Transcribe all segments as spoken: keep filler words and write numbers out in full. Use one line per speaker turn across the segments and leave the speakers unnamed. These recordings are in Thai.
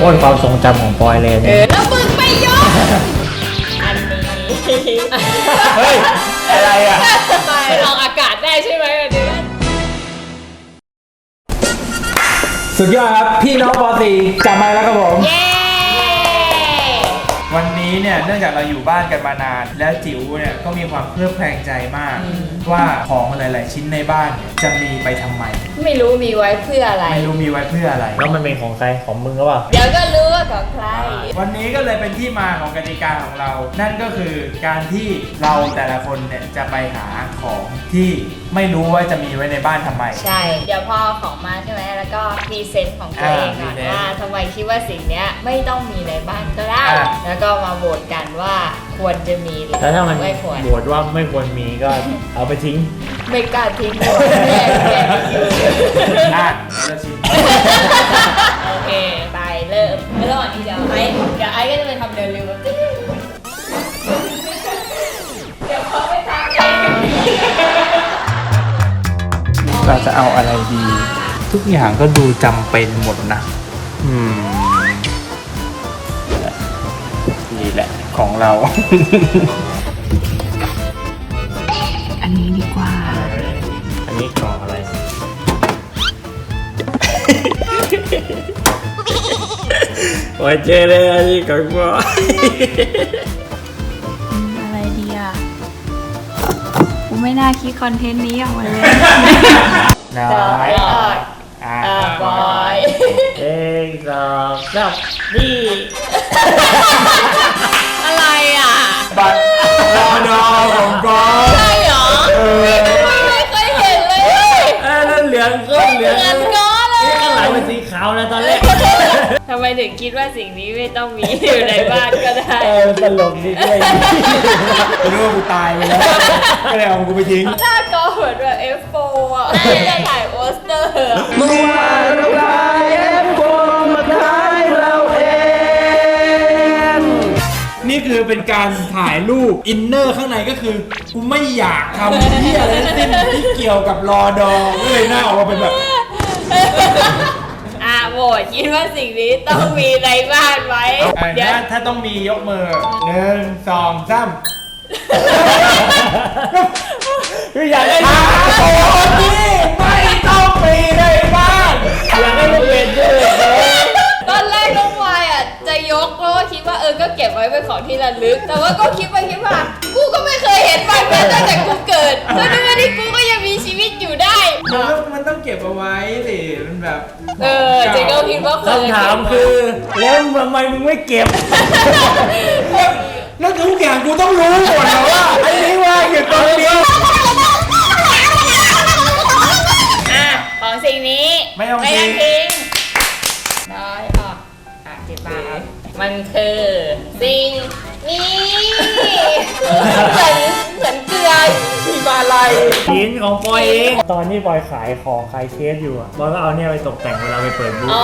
โค่นความทรงจำของปอยเลย
เอ
เนี่ย
อแล้วมึงไม่ยกอันนี้
เฮ้ยอะไรอ่ะ
ไปออกอากาศได้ใช่ไหมอันนี้
สุดยอดครับพี่น้องปอตีจับมาแล้วครับผม
เย้
วันนี้เนี่ยเนื่องจากเราอยู่บ้านกันมานาน แล้วจิ๋วเนี่ยก็มีความเพลิดเพลินใจมาก ว่าของหลาย ๆ ชิ้นในบ้านเนี่ยจะมีไปทำไม
ไม่รู้มีไว้เพื่ออะไร
ไม่รู้มีไว้เพื่ออะไร
แล้วมันเป็นของใครของมึงหรือเปล่า
เดี๋ยวก็รู้ว่าของใคร
วันนี้ก็เลยเป็นที่มาของกติกาของเรา นั่นก็คือการที่เราแต่ละคนเนี่ยจะไปหาของที่ไม่รู้ว่าจะมีไว้ในบ้านทำไม
ใช่ เดี๋ยวพอของมาใช่ไหมแล้วก็พรีเซนต์ของตัวเองก่อน
อ่า
ว่าทำไมคิดว่าสิ่งเนี้ยไม่ต้องมีในบ้านก็ได้
อ่า
แล้วก็มาโหวตกันว่าควรจะมีหรือ
แล้วถ้ามัน
ไม่ควร
โหวตว่าไม่ควรมีก็เอาไปทิ้ง
ไม่กล้าทิ้งหมดแย่แย่อยู่
อ่ะเราชิม
โอเค ไปเริ่มระหว่างนี้เดี๋ยวไอ้เดี๋ยวไอ้ก็จะไปทำเดินเร็วแบบเดี๋ยวเขาไปทำเอง
เราจะเอาอะไรดี ทุกอย่างก็ดูจำเป็นหมดนะ อืม นี่แหละของเรา
อันนี้ดีกว่า
อันนี้กล่องอะไร โอ้ยเจเลยอันนี้กล่องบอย
อะไรดีอ่ะ กูไม่น่าคิดคอนเทนต์นี้ออกมาเลย
น้อ
ต่อย อ่ะ
อ่ะ
อ่ะบอย
เองสองสามนี่
อะไรอ่ะ
บัตรรอนอของกอล์ฟ
ใช่เหรอ
เออ
ไม่เคยเห็นเลย
เอ้ยนั่นเหลืองก็เหลือง
เหมือนง้อเลย
นี่ข้างหลังเป็นสีขาวนะตอนแรก
ทำไมถึงคิดว่าสิ่งนี้ไม่ต้องมีอยู่ในบ้านก็ได้
เออตลกดีด้วย
กูนึกว่ากูตายไปแล้ว ก็เลยเอากูไปทิ้ง
หน้าก็เหมือนแบบ เอฟ โฟร์ อ่ะจะถ่ายโปสเตอร์อะ
เมื่อวานเราไลเอฟโฟมาท้ายเราเอง
นี่คือเป็นการถ่ายรูปอินเนอร์ข้างในก็คือกูไม่อยากทำที่อะไรทั้งสิ้นที่เกี่ยวกับรอดอก็เลยหน้าออกมาเป็นแบบ
อ่ะโหวตคิดว่าสิ่งนี้ต้องมีในบ้านไหม
อ่ะ
เดี๋ยว
ถ้าถ้าต้องมียกมือหนึ่งสองสาม
คืออยากได้
อ่าโอ้นี่ไม่ต้องมีในบ้าน
อยากได้ลูกเป็นด้วยเลย
ตอนแรกน้องวายอ่ะจะยกเพราะว่าคิดว่าเออก็เก็บไว้เป็นของที่ระลึก แต่ว่าก็คิดไปคิดมากูก็ไม่เคยเห็นมันมาตั้งแต่กูเกิดจนถึงวันนี้กูก็ยังมีชีวิตอยู่ได้
มันต้องมันต้องเก็บเอาไว้สิมันแบบ
เออเจ๊ก็คิดว่าเคย
คำถามคือ แล้วทำไมมึงไม่เก็บ
แล้วทุกอย่างกูต้องรู้หมดแล้วว่าไอ้นี่ว่าอยู่ตรงนี้
อ่ะของสิ่งนี้
ไม่ต้อง
ไม่
ทิ้
ต้อง งทิ้งน้อยออกอ่ะจิบามันคือสิ่งนี้เหมือนเหมือนเกลือหิมาลัย
ชิ้นของปอยเอง ตอนที่ปอยขายของขายเคสอยู่อะปอยก็เอาเนี่ยไปตกแต่งเวลาไปเปิดบูธ
อ๋อ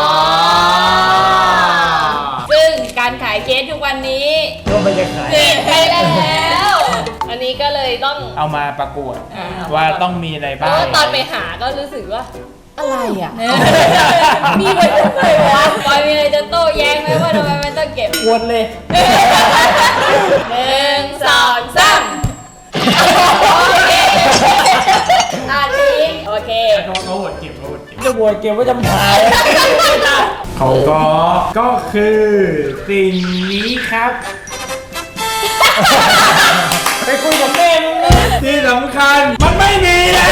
ซึ่งการขายเคสทุกวันนี้
ก็ไม่จะขาย
เปลี่ยนไปแล้ว อันนี้ก็เลยต้อง
เอามาประกวด
อ่า
ว่าต้องมีใน
เพ
บ้า
ราะว่าน ตอนไปหาก็รู้สึกว่า อะไรอ่ะ มีไว้ทำไมวะปอยมีอะไรจะโต้แย้งไหมว่าทำไมมันต้องเก็บ
วนเลย
หนึ่งสองสามโอเคอ่ะทิ้งโอเค
เขาเขาหดเก็บเขาหดเก็บ
จะบวชเก็บไว้จำถ่าย
เขาก็ก็คือสิ่งนี้ครับ
ไปคุยกับแม่มึงเลย
ที่สำคัญมันไม่มีแล้ว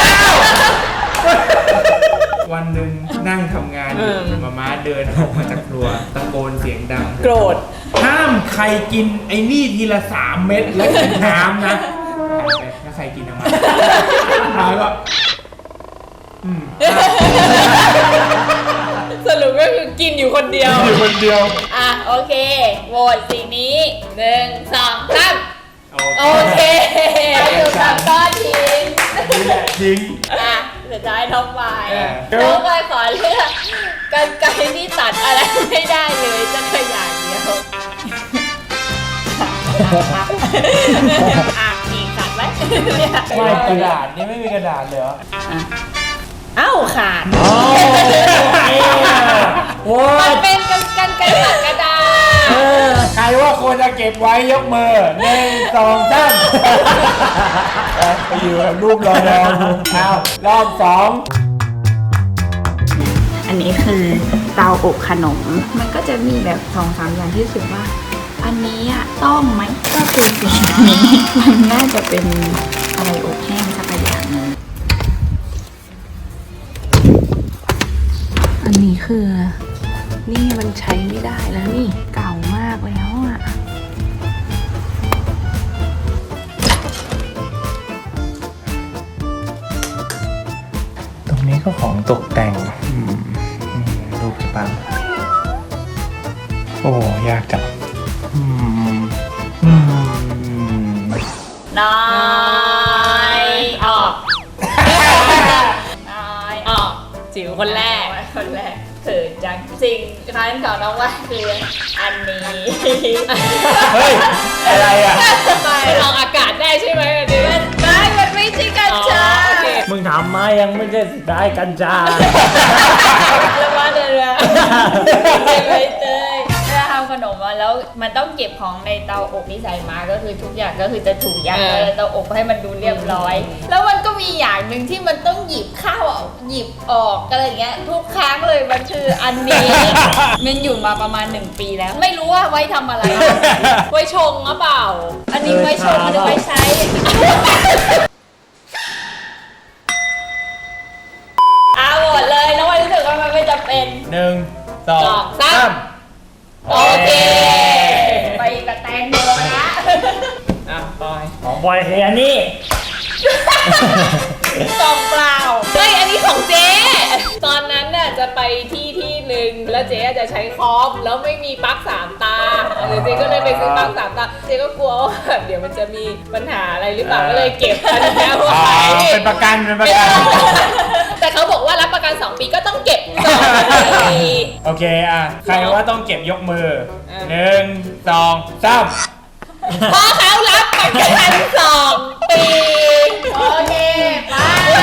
วันหนึ่งนั่งทำงานอยู่มาม่าเดินออกมาจากครัวตะโกนเสียงดัง
โกรธ
ห้ามใครกินไอ้นี่ทีละสามเม็ดแล้วกินน้ำนะแล้วใครกินออกมามาก็อืม
สรุปก็คือกินอยู่คนเดียว
อยู่คนเดียว
อ่ะโอเคโหวตสิ่งนี้หนึ่งสองสามโอ
โอ
เคอยู่กับก้อนทิ้ง
นี่แหละทิ้ง
อ่ะสุดท้ายน้องวาย
เออ
น้องวายขอเลือกกันไกรที่ตัดอะไรไม่ได้เลยจะขยายเดียวอ่ะอีกตัดไหมเนี่ย
ไม่กระดาษนี่ไม่มีกระดาษเลยเหรอ
เอ้าขาด
โอ้โหโอ้
มั
ย
นเป็นกันกันไกร
ว่าควรจะเก็บไว้ยกมือหนึ่งสองสามไปอยู่กับรูปรอรอเอารอบสอง
อันนี้คือเตาอบขนม มันก็จะมีแบบสองสามอย่างที่รู้สึกว่า อันนี้อ่ะต้องไหมก็คือสิ่งนี้ มันน่าจะเป็นอะไรอบแห้งสักอย่างหนึงอันนี้คือ นี่มันใช้ไม่ได้แล้วนี่เก่ามากแล้วอ่ะ
ตรงนี้ก็ของตกแต่งอืมนี่รูปปังโอ้ยากจังอืมอืม
น้อยออกน้อยออกจิ๋วคนแรกคนแรกเขินจังสิ่งร้านของน้องว่าคืออันนี้
เฮ้ย อะไรอ่ะ
มันออกอากาศได้ใช่ไหมอันนี้มันได้มันไม่ใช่กัญชา
มึงถามมายังไม่ได้สุดท้ายกัญชา
แล้วว่าเดือเจไปเตยเวลาทำขนมมาแล้วมันต้องเก็บของในเตาอบที่ใส่มาก็คือทุกอย่างก็คือจะถูกยัดไว้ในเตาอบให้มันดูเรียบร้อย แล้วมันก็มีอย่างหนึ่งที่มันต้องหยิบข้าวหยิบออกอะไรเงี้ยทุกครั้งเลยมันคืออันนี้ มันอยู่มาประมาณหนึ่งปีแล้ว ไม่รู้ว่าไว้ทำอะไร ไว้ชงหรือเปล่า อันนี้ไว้ชงหรือไว้ใช้ อ่ะหมดเลยน้องวันรู้สึกว่ามันไม่จำเป็น
หนึ่งสอง
สองสาม
สาม
โอเค ไปกับแตงโมนะ
อ่ะปอย
ของบอยคืออันนี้
กล่องเปล่าเฮ้ยอันนี้ของเจ๊ ตอนนั้นน่ะจะไปที่ที่หนึ่งแล้วเจ๊จะใช้คอมแล้วไม่มีปลั๊กสามตาเออเจ๊ก็เลยไปซื้อปลั๊กสามตา เจ๊ก็กลัวว่าแบบเดี๋ยวมันจะมีปัญหาอะไรหรือเปล่าก็เลยเก็บอันนี้ไว้
เป็นประกันเป็นประกัน
แต่เขาบอกว่ารับประกันสองปีก็ต้องเก็บสองปี
โอเคอ่ะ ใครว่าต้องเก็บยกมือ
อ่ะ
หนึ่งสองสาม
เพราะเขารับประกันสองปี โอเค ไป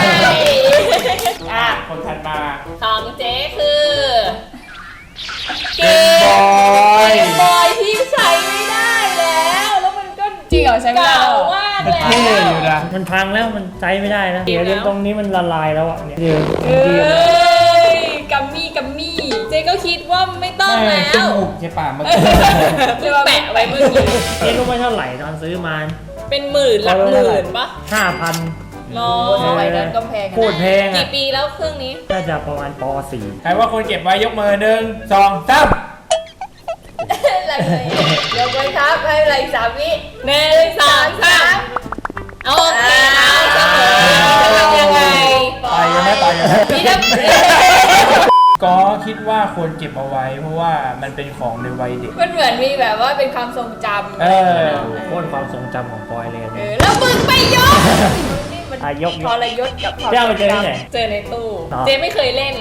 อ่ะ
คนถัดมา
ของเจ๊คือ เก
บอ
ม
ย
บอยที่ใช้ไม่ได้แล้ว แล้วมันก็
จริงเหรอใช้ไม่ได้
เก่า
แล้วเหรอ
มาก
มัน
แล้ว
เท่อยู่นะ
มันพังแล้วมันใช้ไม่ได้นะ
เดี๋
เดี๋
ย
ยว ว
แล้ว
ตรงนี้มันละลายแล้วอ่ะเนี่ยเดี๋ยว
เอ้ย กัมมี่กัมมี่ เจ๊ก็คิดว่าไม่ต้อง
ไม่
แล้
จ
ว
มูกใช่ป่ะเมื่อกี้
เพิ่งแปะไว้เมื่อกี้
เจ๊รู้ไหมเท่าไหร่ตอนซื้อมา
เป็นหมื่นหลักหมื่นปะ
ห้าพัน
รอสมัยนั้นก็แพง
โคตรแพง
กี่
อ่ะ
ปีแล้วเครื่องนี้
น่าจะประมาณป .สี่
ใครว่าคนเก็บไว้ยกมือหนึ่งสองสาม
อะไรเลยยกไว้ครับให้อะไรสามวิหนึ่งสองสามโอเคเอาเสมอจะทำยังไง
ต่อยกันไหมต่อยกันไหม
พี่น้ำ
ก็คิดว่าควรเก็บเอาไว้ เพราะว่ามันเป็นของในวัยเด็ก
มันเหมือนมีแบบว่าเป็นความทรงจำ
เออ
โคตรความทรงจำของปอยเลยอัน
เอ
นี้
อแล้วมึงไปยกนี่มัน
อ่ะยก
ทรยศกับความ
เจ๊เอาไปเจอที่ไหน
เจอในตู้
อ๋อ
เจ๊ไม่เคยเล่น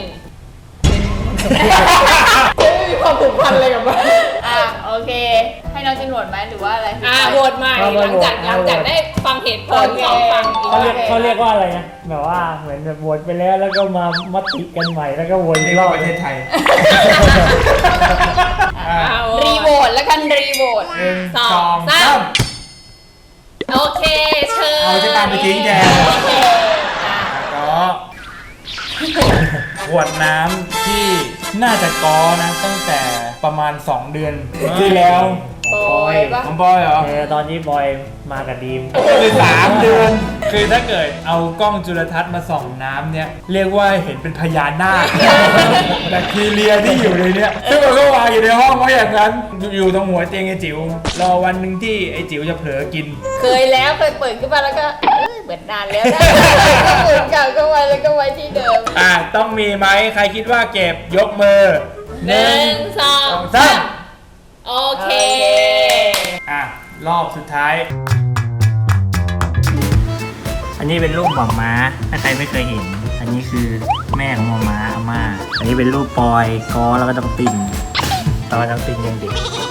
เจ๊ไม่มีความผูกพันอะไรกับมันอ่ะโอเค ให้น้องจินโหวตไหมหรือว่าอะไรอ่ะโหวตใหม่หลังจากหลังจากได้ฟังเหตุผลของฟังอีก
เขาเรียก
โอค
เขาเรียกว่าอะไรนะแบบว่าเหมือนแบบโหวตไปแล้วแล้วก็มามติกันใหม่แล้วก็วนอี
นี่
กร
ก็
อบ
ประเทศไทย
เอารีโหวตแล้วกันรีโหวต
หนึ่ง
ส
ส
อ
อง ง
สา
สาม ม
โอเคเชิญ
เอาจะตามไปทิ้งแก
โอเคอ่ะ
ก็ขวดน้ำที่น่าจะก้อนะตั้งแต่ประมาณสองเดือนที่แล้ว
โอ้ยปะ
น้องบอยเหรอ
เออตอนนี้บอยมากับดีม
คือสามเดือน คือถ้าเกิดเอากล้องจุลทรรศน์มาส่องน้ำเนี่ย เรียกว่าเห็นเป็นพญานาค แบคทีเรียที่อยู่ในเนี้ยซึ่งมันก็วางอยู่ในห้องไว้อย่างนั้น อยู่ตรงหัวเตียงไอ้จิ๋ว รอวันหนึ่งที่ไอ้จิ๋วจะเผลอกิน
เคยแล้วเคยเปิดขึ้นมาแล้วก็เอ้ยเหมือนนานแล้วนะเหมือนเก่าก็ไว้แล้วก็ไว้ที่เดิม
อ่ะ ต้องมีไหมใครคิดว่าเก็บยกมือ
หนึ่งสอง
สอง
สา
สาม
มโอเค
อ่ะ รอบสุดท้าย
อันนี้เป็นรูปหม่อมม้าถ้าใครไม่เคยเห็น อันนี้คือแม่ของหม่อมม้าอาม่าอันนี้เป็นรูปปอยกอแล้วก็ต้องตินตอนต้องตินยังเด็ก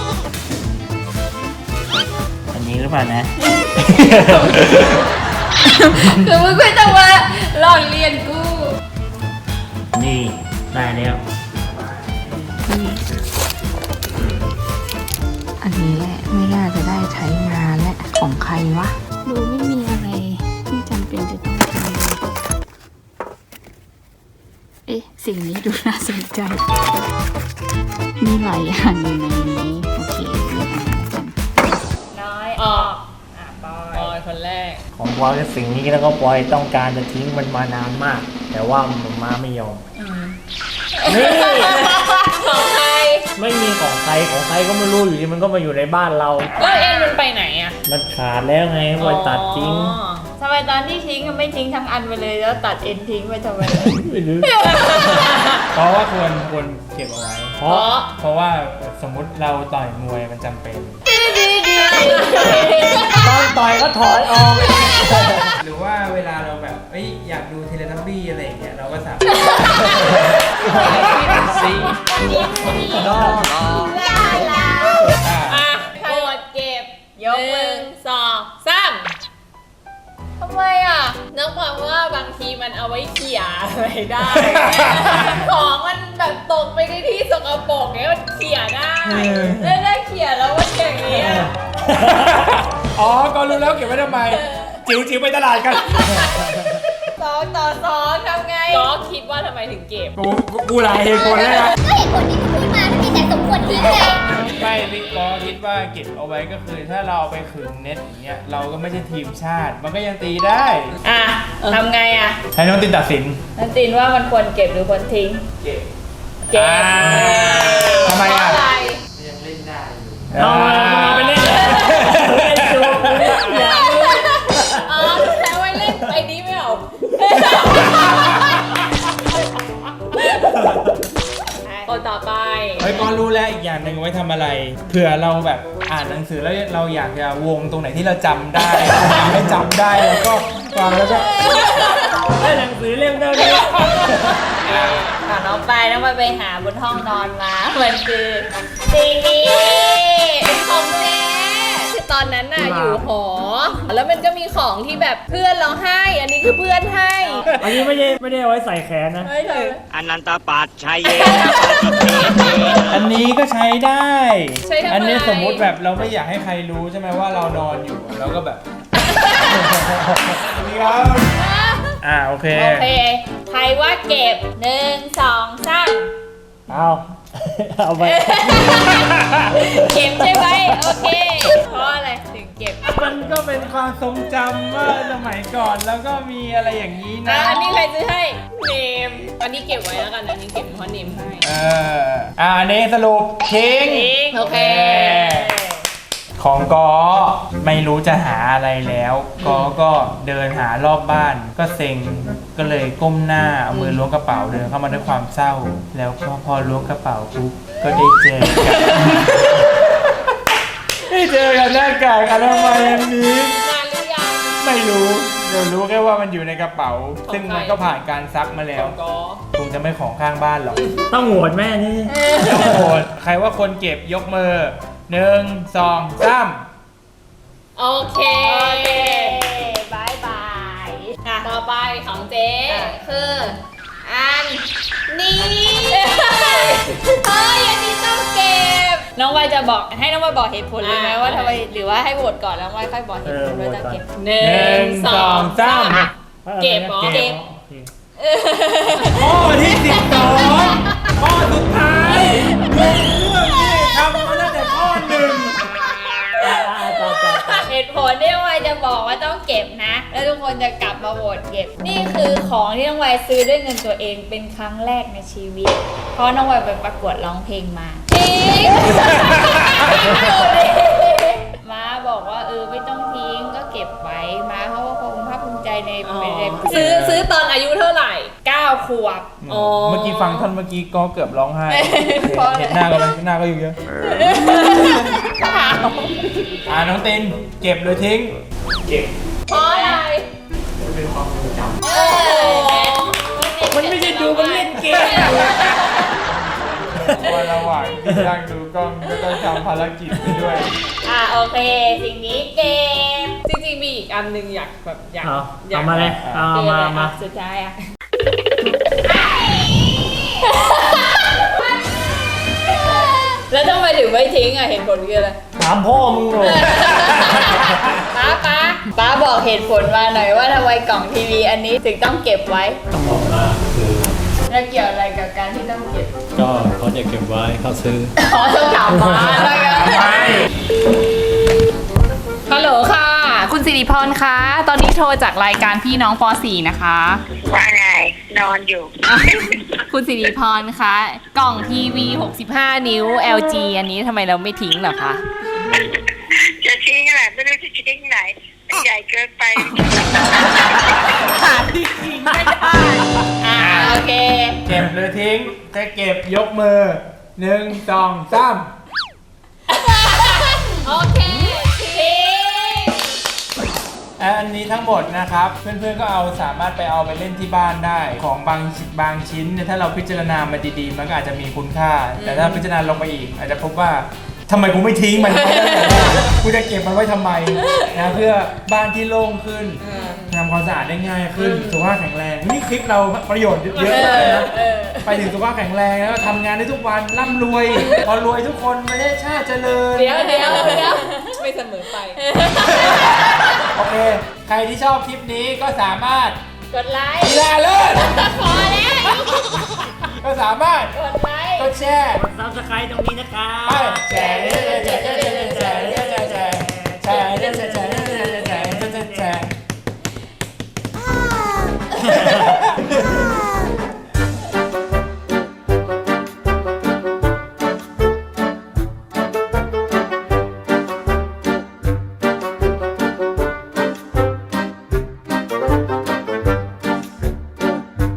อันนี้หรือเปล่านะ
คือมึงไม่ต้องมาหลอกเรียนกู
นี่ได้แล้ว
อันนี้แหละเอ๊ะสิ่งนี้ดูน่าสนใจ มีหลายอย่างอยู่ในนี้โอเคเลือกอันนี้แล้วกัน
น้อย
ออก
อ่ะปอ
ปอย ยคนแรก
ของปอยคือสิ่งนี้แล้วก็ปอยต้องการจะทิ้งมันมานานมาก แต่ว่ามันมาไม่ยอมนี่
ของใคร
ไม่มีของใครของใครก็ไม่รู้อยู่ดีมันก็มาอยู่ในบ้านเรา
แล้วเอ็นมันไปไหนอ่ะ
มันขาดแล้วไงปอยตัดทิ้ง
อ๋อ
ทำไมตอนที่ทิ้งก็ไม่ทิ้งทั้งอันไปเลยแล้วตัดเอ็นทิ้งไปทำไม
ไม่รู้
เพราะว่าควรควรเก็บเอาไว้
เพ
เพ
ราะ
ราะ
เพราะว่าสมมุติเราต่อยมวยมันจำเป็น
ตอนต่อยก็ถอยออก
หรือว่าเวลาเราแบบเอ้ยอยากดูเทเลทับบี้อะไรอย่างเงี้ยเราก็สามารถซีอ่ะ
อ่ะโกดเก็บ
ยก
ห
มื
นึ่
อง
สองสาม
ทำไมอ่ะ
นึกความว่าบางทีมันเอาไว้เขี่ยอะไรได้ ของมันแบบตกไปในที่สกปรกเนี้ยมันเขี่ยได้
แล้วได้เขียนแล้วว่าอย่างนี้ย
อ๋อก็รู้แล้วเก็บไว้ทำไม จิ๋วจิ๋วไปตลาดกัน
สองต่อสองทำไง
ก็คิดว่าทำไมถึงเก็บ
กูกูกูหลายเหตุผลเลยนะ
ก็เหตุผลที่คุณพูดมาถ้ามีแต่สมควรทิ้งไง
ไม่พี่ก็คิดว่าเก็บเอาไว้ก็คือถ้าเราเอาไปขึงเน็ตอย่างเงี้ยเราก็ไม่ใช่ทีมชาติ มันก็ยังตีได้
อ่ะทำไงอ่ะ
ให้น้องตินตัดสิน
นันตินว่ามันควรเก็บหรือควรทิ้ง
เก็บ
เก็บ
อ่าทำไมอ่ะ
เพราะอะไร
เอามาเอาไปเล่นเลยเล่นจูบอย่า
อ๋อแล้วไว้เล่นไอ้นี้ไม่เอา คนต่อไป
เฮ้ยก็รู้แล้วอีกอย่างหนึ่งไว้ทำอะไรเผื่อเราแบบอ่านหนังสือแล้วเราอยากจะวงตรงไหนที่เราจำได้ไม่จำได้แล้วก็วางแล้วก็
ได้หนังสือเล่มเดิมนี้
ก่อนน้องไปน้องไปไปหาบนห้องนอนมามันคือสิ่งนี้
ของเจ๊คือตอนนั้นน่ะอยู่หอ แล้วมันก็มีของที่แบบเพื่อนเราให้ อันนี้คือเพื่อนให้
อันนี้ไม่ได้ไม่ได้เอาไว้ใส่แขนนะ
ไม่เลย
อนันตปัจชัยเย
อันนี้ก็ใช้ได้
ใช้ทำไม
อันนี้สมมุติแบบเราไม่อยากให้ใครรู้ใช่ไหมว่าเรานอนอยู่เราก็แบบนี่ครับอ่าโอเค
โอเคใครว่าเก็บหนึ่งสองสาม
เอาเอาไป
เก็บใช่ไหมโอเค เพราะอะไรถึงเก็บ
มันก็เป็นความทรงจำว่าสมัยก่อนแล้วก็มีอะไรอย่างนี้
อ่ะ
นะ
อันนี้ใครซื้อให้ เนม อันนี้เก็บไว้แล้วกัน อันนี้เก็บเพราะเนมให้
เอออ่าอันนี้สรุปทิ้ง
ทิ้ง
โอเค
ของกอไม่รู้จะหาอะไรแล้วกอก็เดินหารอบบ้าน ก็เซ็งก็เลยก้มหน้าเอามือล้วงกระเป๋าเดินเข้ามาด้วยความเศร้า แล้วก็พอล้วงกระเป๋าปุ๊บก็ได้เจอกัน ได้เจอกันหน้ากากอนามัยอันนี้
นานหรือยัง
ไม่รู้เดี๋ยวรู้แค่ว่ามันอยู่ในกระเป๋า ซึ่งมันก็ผ่านการซักมาแล้
ข
ว
องกอ
คงจะไม่ของข้างบ้านหรอก
ต้องโหวตแม่นี่
โอ้โหใครว่าคนเก็บยกมือหนึ่งสองสาม
โอเค
โอเคบายบาย
อ่ะต่อไปของเจ๊
อ่ะ
คืออันนี้
เฮ้ยอันนี้ต้องเก็บ น้องวายจะบอกให้น้องวายบอกเหตุผลเลยไหมว่าทำไมหรือว่าให้โหวตก่อนแล้ววายค่อยบอกเหตุผลว่าต้องเก็บ
หนึ่
หนึ่งสองสาม
เก็บเหรอ
เก็บ
ข้อที่สิบสองข้อสุดท้ายเรื่องที่ทำมาตั้งแต่ข้อหนึ่ง
เหตุผลที่น้องวายจะบอกว่าต้องเก็บนะ แล้วทุกคนจะกลับมาโหวตเก็บ นี่คือของที่น้องวายซื้อด้วยเงินตัวเองเป็นครั้งแรกในชีวิต เพราะน้องวายไปประกวดร้องเพลงมาจริง ม้าบอกว่าเออไม่ต้องทิ้งก็เก็บไว้ม้าเขาก็คงภาคภูมิใจใน
อ๋อ
เป็นใน
ซื้อซื้อตอนอายุเท่าไหร่
เก้าขวบ
อ๋อ
เมื่อกี้ฟังท่อนเมื่อกี้ก็เกือบร้องไห้
เพราะอะไร
เห็นหน้าก็เลยหน้าก็อยู่เยอะอ่าน้องตินเก็บหรือทิ้ง เก็บ
เพราะอะไร
เป็นความทรงจ
โอ้โห
มันไม่ใช่ดูมันเล่นเกม
ำว่าระหว่างที่นั่งดูกล้องก็ต้องทำภารกิจไปด้วย
อ่ะโอเค สิ่งนี้เก็บ
จริงๆมีอีกอันหนึงอยากแบบอยาก
เอา
อยาก
เอามาเลยเอาเอามามา
สุดท้ายอ่ะ แล้วทำไมถึงไม่ทิ้งอ่ะเหตุผลคืออะไร
ถามพ่อมึงเลย
ป้าป้าป้าบอกเหตุผลมาหน่อยว่าทำไมกล่องทีวีอันนี้ถึงต้องเก็บไว้
ต้องบอกว่าคือ
นแล้วเกี่ยวอะไรกับการที่ต้องเก็บ
ก็เขาจะเก็บไว้เขาซื้อ
ขอต้องถามมาแล้วกัน
ไม่
ฮัลโหลค่ะ คุณสิริพรคะ ตอนนี้โทรจากรายการพี่น้องป .สี่ นะคะ
ว่าไง นอนอยู่
คุณสิริพรคะ กล่องทีวี หกสิบห้า นิ้ว แอล จี อันนี้ทำไมเราไม่ทิ้งเหรอคะ
จะทิ้งอะไรไม่รู้จะทิ้งไหนใหญ่เกินไป
หาที่ทิ้งไม่ได้ อ่าโอเค
เก็บหรือทิ้งถ้าเก็บยกมือหนึ่งสองสาม
โอเคทิ้ง
อันนี้ทั้งหมดนะครับ เพื่อนๆก็เอาสามารถไปเอาไปเล่นที่บ้านได้ ของบางบางชิ้นเนี่ยถ้าเราพิจารณามันดีๆ มันก็อาจจะมีคุณค่า แต่ถ้าพิจารณาลงไปอีก อาจจะพบว่าทำไมกูไม่ทิ้งมันไว้ตั้งแต่แรกกูจะเก็บมันไว้ทำไมนะเพื่อบ้านที่โล่งขึ้นทำความสะอาดได้ง่ายขึ้นสุขภาพแข็งแรงนี่คลิปเราประโยชน์เยอะเลยนะไปถึงสุขภาพแข็งแรงแล้วก็ทำงานได้ทุกวันร่ำรวยพอรวยทุกคนประเทศชาติเจริญ
เดี๋ยวเดี๋ยวเดี๋ยวไม่เสมอไป
โอเค ใครที่ชอบคลิปนี้ก็สามารถ
กดไลค์
กีฬาเลิศ
พอแล้ว
ก็สามารถ
กดไลค์
กดแชร์
ซับสไครต์ตรงนี้นะครับ
ไปแชร์แชร์แชร์แชร์แชร์